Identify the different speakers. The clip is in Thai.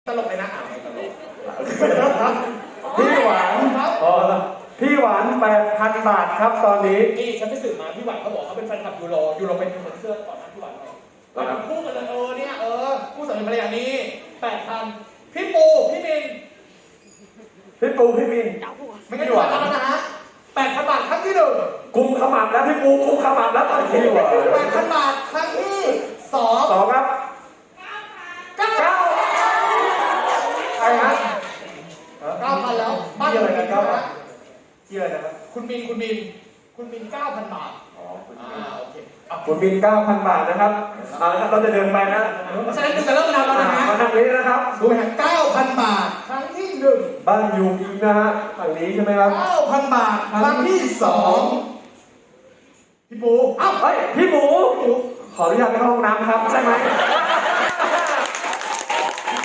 Speaker 1: ตลกเลยนะตลก
Speaker 2: พี่หวานพี่หวาน 8,000 บาทครับตอนนี้
Speaker 1: นี่ฉันไปสืบมาพี่หวานเขาบอกเขาเป็นแฟนคลับยูโรเป็นคนเสื้อก่อนนะพี่หวานเราทำคู่กันเลยเนี่ยคู่สามีภรรยานี้ 8,000พี่ปูพี่มินไม่งั้นพี่หวานแล้วนะฮะ 8,000 บาทครั้งที่หนึ่ง
Speaker 2: กุมขมับแล้วพี่ปูกุมขมับแล้วตอนนี้
Speaker 1: 8,000 บาทครั้งที่สอง
Speaker 2: ครับ9ใครฮะ
Speaker 1: 9,000แล้วบ้าน
Speaker 2: อะไรนะ9,000
Speaker 1: ที่อะไรนะครับคุณมิน 9,000 บาทโอเค
Speaker 2: คุณมิน 9,000 บาทนะครับเราจะเดินไปนะ
Speaker 1: เพราะฉะนั้นจะเริ่มนับแล้วนะฮะ
Speaker 2: มาทางนี้นะครับ
Speaker 1: ดูไหม 9,000 บาทครั้งที่หนึ่ง
Speaker 2: บ้านอยู่อีกนะฮะฝั่งนี้ใช่ไหมครับ
Speaker 1: 9,000 บาทครั้งที่สองพี่ปู
Speaker 2: เฮ้ยพี่หมูขออนุญาตไปเข้าห้องน้ำครับใช่ไหม